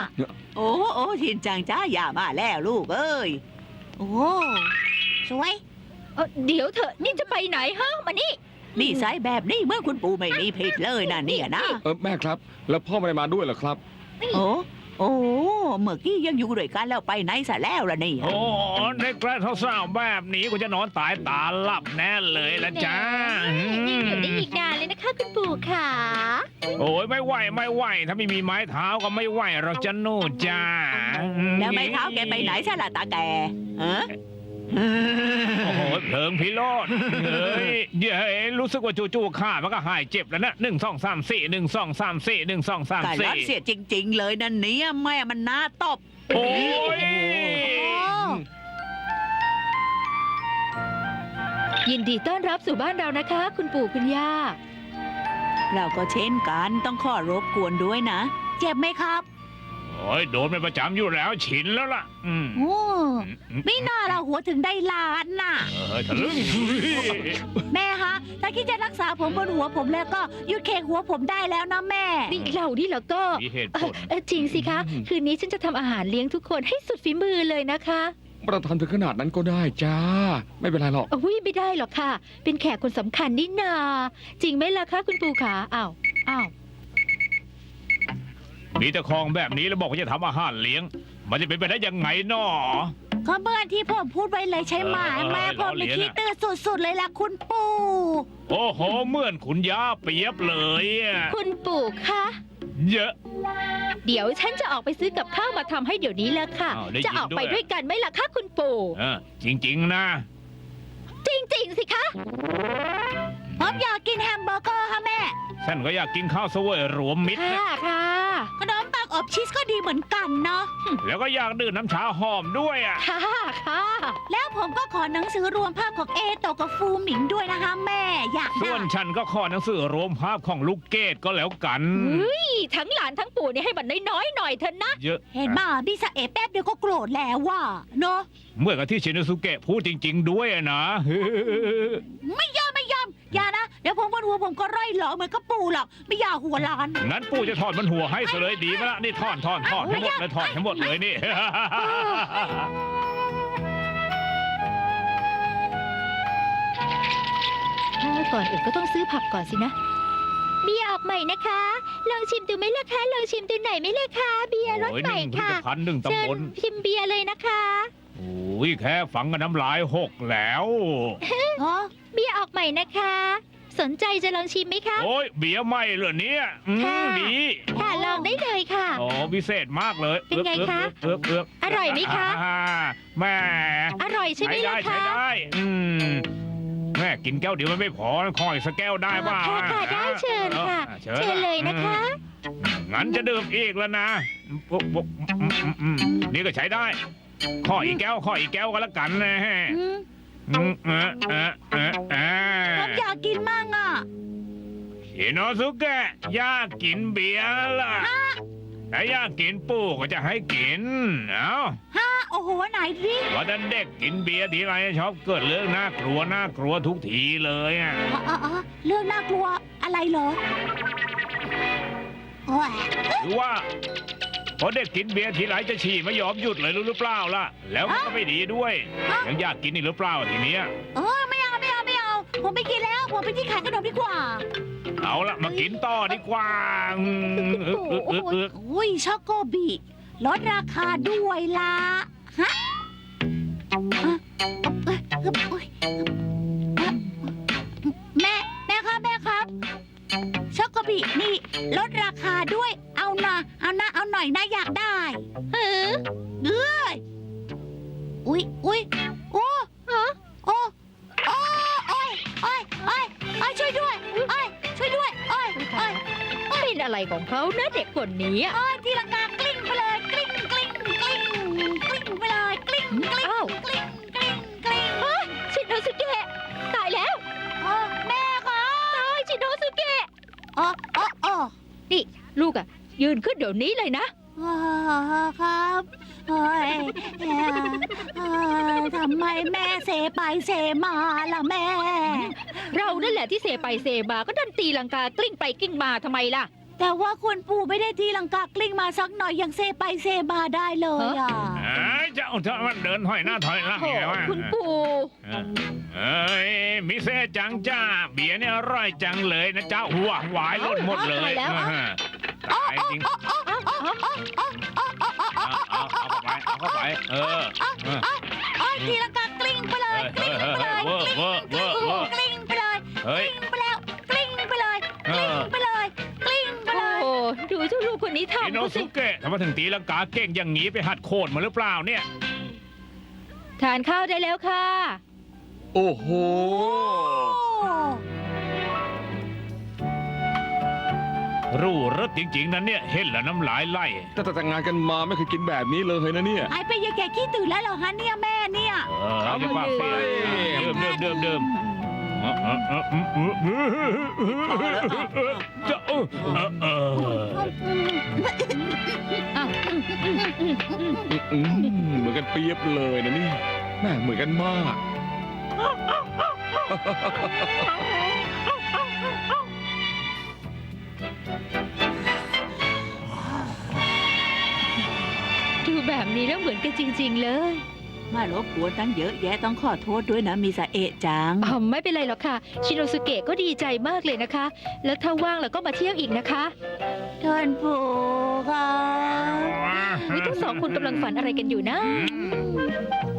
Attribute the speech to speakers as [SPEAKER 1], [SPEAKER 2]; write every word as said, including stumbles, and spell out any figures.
[SPEAKER 1] โอ้โอ้ชินจังจ้าอย่ามาแล้วลูกเอ้ยโอ้สวย
[SPEAKER 2] เอ่อเดี๋ยวเถอะนี่จะไปไหนฮะมานี่
[SPEAKER 1] นี่สายแบบนี้เมื่อคุณปู่ไม่มีผิดเลยนะเนี่ยนะ
[SPEAKER 3] เออแม่ครับ แล้วพ่อไม่ได้มาด้วยเหรอครับ
[SPEAKER 1] โอ้โอ้เมื่อกี้ยังอยู่ด้วยกันแล้วไปไหนซะแล้วล่ะเนี่ย
[SPEAKER 4] โอ้ในกระเศร้าๆแบบนี้กูจะนอนตายตาหลับแน่เลยละจ้า
[SPEAKER 2] ยังอยู่ได้อีกนานเลยนะคะคุณปู่ขา
[SPEAKER 4] โอ้ยไม่ไหวไม่ไหวถ้าไม่มีไม้เท้าก็ไม่ไหวเราจะนู่นจ้า
[SPEAKER 1] แล้วไม้เท้าแกไปไหนซะล่ะตาแกฮะ
[SPEAKER 4] โอ้โหเพลิงพิโรธเฮ้ยเย้ยรู้สึกว่าจู่ๆข้ามันก็หายเจ็บแล้วนะหนึ่งสองสามสี่หนึ่งสองสามสี่หนึ่งสองสาม
[SPEAKER 1] แต่
[SPEAKER 4] สี่
[SPEAKER 1] รัดเสียจริง ๆ เลยนั่นเนี่ยแม่มันน่าตบ
[SPEAKER 4] โอ้ย
[SPEAKER 2] ยินดีต้อนรับสู่บ้านเรานะคะ คุณปู่คุณย่า
[SPEAKER 1] เราก็เช่นกันต้องขอรบกวนด้วยนะ เจ็บไหมครับ
[SPEAKER 4] โอ้ยโดนเป็นประจำอยู่แล้วชินแล้วล่ะอืม
[SPEAKER 1] โอ้ไม่น่าเราหัวถึงได้ล้านน่ะ
[SPEAKER 4] เออทะลึ่ง
[SPEAKER 1] แม่ฮะถ้าคิดจะรักษาผมบนหัวผมแล้วก็หยุดเคกหัวผมได้แล้วนะแม่
[SPEAKER 2] นี่เรานี่แล้วก็
[SPEAKER 4] มีเหตุ
[SPEAKER 2] เอ่
[SPEAKER 4] ผ
[SPEAKER 2] อ
[SPEAKER 4] ล
[SPEAKER 2] เอ่อจริงสิคะ คืนนี้ฉันจะทำอาหารเลี้ยงทุกคนให้สุดฝีมือเลยนะคะ
[SPEAKER 3] ประทานถึงขนาดนั้นก็ได้จ้า ไม่เป็นไรหรอก
[SPEAKER 2] อุ้ยไม่ได้หรอกค่ะ เป็นแขกคนสำคัญนี่นา จริงไหมล่ะคะคุณปู่ขาอ้าวอ้าว
[SPEAKER 4] มีแต่คลองแบบนี้แล้วบอกว่าจะทำอาหารเลี้ยง มันจะเป็นไปได้ยังไงน้อ
[SPEAKER 1] ก็เมื่อที่ผมพูดไปเลยใช่ไหม
[SPEAKER 4] เออ
[SPEAKER 1] แม่ผม
[SPEAKER 4] ล้อเลี
[SPEAKER 1] ไม่
[SPEAKER 4] ยน
[SPEAKER 1] คิด
[SPEAKER 4] อะ
[SPEAKER 1] ตื่นสุดๆเลยล่ะคุณปู่
[SPEAKER 4] โอ้โหเหมือนคุณย่าเปียบเลยอะ
[SPEAKER 2] คุณปู่คะ
[SPEAKER 4] เยอะ
[SPEAKER 2] เดี๋ยวฉันจะออกไปซื้อกับข้าวมาทำให้เดี๋ยวนี้แล้วค่ะ
[SPEAKER 4] อ้าวได้ยิน
[SPEAKER 2] จะออกไป
[SPEAKER 4] ด้วย
[SPEAKER 2] ด้วยกันไหมล่ะคะคุณปู่
[SPEAKER 4] เออจริง ๆ นะ
[SPEAKER 2] จริง ๆ สิคะ
[SPEAKER 1] ผมอยากกินแฮมเบอร์เกอร์ค่ะแม่
[SPEAKER 4] ฉันก็อยากกินข้าวเสวยรวมมิตร
[SPEAKER 2] ค่ะ
[SPEAKER 4] นะ
[SPEAKER 2] ค่ะ
[SPEAKER 1] ขนมปังอบชีสก็ดีเหมือนกันเนาะ
[SPEAKER 4] แล้วก็อยากดื่มน้ำชาหอมด้วยอ่ะ
[SPEAKER 2] ค่ะค่ะ
[SPEAKER 1] แล้วผมก็ขอหนังสือรวมภาพของเอโตกับฟูหมิงด้วยนะคะแม่ อยาก
[SPEAKER 4] ส่
[SPEAKER 1] ได้
[SPEAKER 4] วนฉันก็ขอหนังสือรวมภาพของลูกเกดก็แล้วกัน
[SPEAKER 2] เฮ้ยทั้งหลานทั้งปู่เนี่ยให้มันน้อยๆหน่อยเถอะนะ
[SPEAKER 4] เยอะ
[SPEAKER 1] เห็นมาพี่สะเอแป๊บเดียวก็โกรธแล้วว่ะเนาะ
[SPEAKER 4] เมื่อกับที่ชินสุเกะพูดจริง ๆ ด้วยอะนะ
[SPEAKER 1] ไม่ยอมไม่ยอมอย่านะ เดี๋ยวผมบนหัวผมก็ร่อยหลอเหมือนกระปูหรอกไม่อยากหัวล้าน
[SPEAKER 4] งั้นปู่จะถอดมันหัวให้ซะเลยดีไหมล่ะนี่ถอนถอนถอนให้หมดเลยถอนให้หมดเลยนี่
[SPEAKER 2] ถ้าก่อนอื่นก็ต้องซื้อผักก่อนสินะ เบียร์ออกใหม่นะคะ ลองชิมดูไหมล่ะคะ ลองชิมดูหน่อยไหมล่ะคะ เบียร์รส
[SPEAKER 4] โอ้ย
[SPEAKER 2] ให
[SPEAKER 4] ห
[SPEAKER 2] ม่
[SPEAKER 4] นึ่งผลิ
[SPEAKER 2] ค่ะ
[SPEAKER 4] ตภัณฑ์หนึ่ง
[SPEAKER 2] เชิ
[SPEAKER 4] ตำบ
[SPEAKER 2] ญ
[SPEAKER 4] ล
[SPEAKER 2] ชิมเบียร์เลยนะคะ
[SPEAKER 4] โอ้ยแค่ฝังกับน้ำลายหกแล้ว
[SPEAKER 1] อ๋อ
[SPEAKER 2] เบียร์ออกใหม่นะคะ สนใจจะลองชิมไหมคะ
[SPEAKER 4] โอ้ยเบียร์ไหม่เหรอเนี่ยอืม
[SPEAKER 2] ค่ะ
[SPEAKER 4] ดี
[SPEAKER 2] ค่ะลองได้เลยค่ะ
[SPEAKER 4] อ๋อพิเศษมากเลย
[SPEAKER 2] เป็นไงคะ
[SPEAKER 4] เอือกเอือกเอือก
[SPEAKER 2] อร่อยไหมคะ
[SPEAKER 4] อ่าแม่
[SPEAKER 2] อร่อยใช่ไหม
[SPEAKER 4] ใช้ได้
[SPEAKER 2] ล่ะ
[SPEAKER 4] ใช้
[SPEAKER 2] คะ
[SPEAKER 4] ได้อืมแม่กินแก้วเดียวมันไม่พอคอยสักแก้วได้ป่ะ
[SPEAKER 2] ค่ะค่ะได้เชิญค่ะ
[SPEAKER 4] ออ
[SPEAKER 2] เชิญเลยนะคะ
[SPEAKER 4] อืมงั้นจะดื่มอีกแล้วนะปุ๊บปุ๊บอืมอืมอืมนี่ก็ใช้ได้ขออีกแก้วขออีกแก้วก็แล้วกันนะฮะ
[SPEAKER 1] อืม
[SPEAKER 4] อืมเออเออเออเอ
[SPEAKER 1] ผมอยากกินมั่งอ่ะ
[SPEAKER 4] ชิโนสุเกะอยากกินเบียร์ล่ะถ้าอยากกินปู่ก็จะให้กิน เอ้า
[SPEAKER 1] ฮะโอ้โหไหนดิ
[SPEAKER 4] ว่าแต่เด็กกินเบียร์ทีไรชอบเกิดเรื่องน่ากลัวน่ากลัวทุกทีเลยอ่ะ
[SPEAKER 1] อ๋ออ๋ออ๋อเรื่องน่ากลัวอะไรเหรอโอ้ย
[SPEAKER 4] หรือว่าพอเด็กกินเบียร์ทีไรจะฉี่ไม่ยอมหยุดเลยรู้หรือเปล่าล่ะ แล้วมันก็ไม่ดีด้วย ยังอยากกินอีกหรือเปล่าทีเนี้ย
[SPEAKER 1] เออไม่เอาไม่เอาไม่เอา ผมไม่กินแล้ว ผมไปที่ขายขนมดีกว่า
[SPEAKER 4] เอาละมากินต่อดีกว่าอืมเอึกเอึกเอึกเอึก
[SPEAKER 1] อุ้ยช็อกโกบิลดราคาด้วยล่ะฮะฮะเอ้ยเอ้ยเอ้ยเอ้ยแม่แม่ครับแม่ครับช็อกโกบินี่ลดราคาด้วย เอานะเอานะเอาหน่อยนะอยากได้
[SPEAKER 2] เออ
[SPEAKER 1] เอ้ยอุ้ยอุ้ยโอ้ฮะโอ้โอ้โอ้ยโอ้ยโอ้ยโอ้ยช่วยด้วยโอ้ยช่วยด้วยโอ้ยโอ้ย
[SPEAKER 2] เป็นอะไรของเขานะเด็กคนนี้อะ
[SPEAKER 1] โอ้ยที่ลังกากลิ้งไปเลยกลิ้งกลิ้งกลิ้งกลิ้งไปเลยกลิ้งกลิ้ง
[SPEAKER 2] อ้าว
[SPEAKER 1] กลิ้งกลิ้งกลิ้ง
[SPEAKER 2] เฮ้ยชินโนสุเกะตายแล้ว
[SPEAKER 1] อ๋อแม่ครับ
[SPEAKER 2] ตายชินโนสุเกะ
[SPEAKER 1] อ๋ออ๋ออ๋อ
[SPEAKER 2] นี่ลูกอะยืนขึ้นเดี๋ยวนี้เลยนะ
[SPEAKER 1] อ๋อครับโอ้ยเอ่อเอ่อทำไมแม่เซไปเซมาล่ะแม่
[SPEAKER 2] เรานั่นแหละที่เซไปเซมาก็ดันตีลังกากลิ้งไปกลิ้งมาทำไมล่ะ
[SPEAKER 1] แต่ว่าคุณปู่ไม่ได้ทีลังกากลิ้งมาสักหน่อยยังเซไปเซมาได้เลยอ่ะ
[SPEAKER 4] เอ้ยเจ้าเธอมันเดินถอยหน้าถอยหลัง
[SPEAKER 2] โอ้
[SPEAKER 4] ไงวะ
[SPEAKER 2] คุณปู่
[SPEAKER 4] เอ้ยมิเซจังจ้าเบียร์เนี่ยอร่อยจังเลยนะเจ้าหัวหวายล้นหมดเลยตายจริงเอาเอาเข้าไปเอาเข้าไปเออ
[SPEAKER 1] โอ้ยทีลังกากลิ้งไปเลยกลิ้งไปเลย
[SPEAKER 4] เวอร์เวอร์เวอร์เวอร์
[SPEAKER 1] กลิ้งไปเลย
[SPEAKER 4] เฮ้ย
[SPEAKER 1] กลิ้งไปแล้วกลิ้งไปเลยกลิ้งไปเลยกลิ้งไป
[SPEAKER 2] โอ้
[SPEAKER 1] เลย
[SPEAKER 2] โหดูเจ้าลูกคนนี้
[SPEAKER 4] อิ
[SPEAKER 2] ทำ
[SPEAKER 4] โน
[SPEAKER 2] เขาสิ
[SPEAKER 4] สุเกะทำไมถึงตีลังกาเก่งอย่างนี้ไปหัดโคดมาหรือเปล่าเนี่ย
[SPEAKER 2] ทานข้าวได้แล้วค่ะ
[SPEAKER 3] โอ้โห
[SPEAKER 4] รู้รสจริงๆนะเนี่ยเห็นแล้วน้ำลายไหล
[SPEAKER 3] ตั้งแต่แต่งงานกันมาไม่เคยกินแบบนี้เลยนะเนี่ย
[SPEAKER 1] หายไปยังแกขี้ตื่นแล้วเหรอฮะเนี่ยแม่เนี่ย
[SPEAKER 4] เออจะปากเสียเดิมเดิมเดิมเดิมจะเออเออ
[SPEAKER 2] อ้าว
[SPEAKER 3] อืมเหมือนกันเปรียบเลยนะนี่แม่เหมือนกันมาก
[SPEAKER 2] ดูแบบนี้แล้วเหมือนกันจริง ๆ เลย
[SPEAKER 1] มารบกวนตั้งเยอะแยะต้องขอโทษด้วยนะมิซาเอะจัง
[SPEAKER 2] อ๋อไม่เป็นไรหรอกค่ะ ชิโนสุเกะก็ดีใจมากเลยนะคะ แล้วถ้าว่างแล้วก็มาเที่ยวอีกนะคะ
[SPEAKER 1] ท่านปู่ค่ะ
[SPEAKER 2] นี่ทั้งสองคนกำลังฝันอะไรกันอยู่นะ
[SPEAKER 1] อืม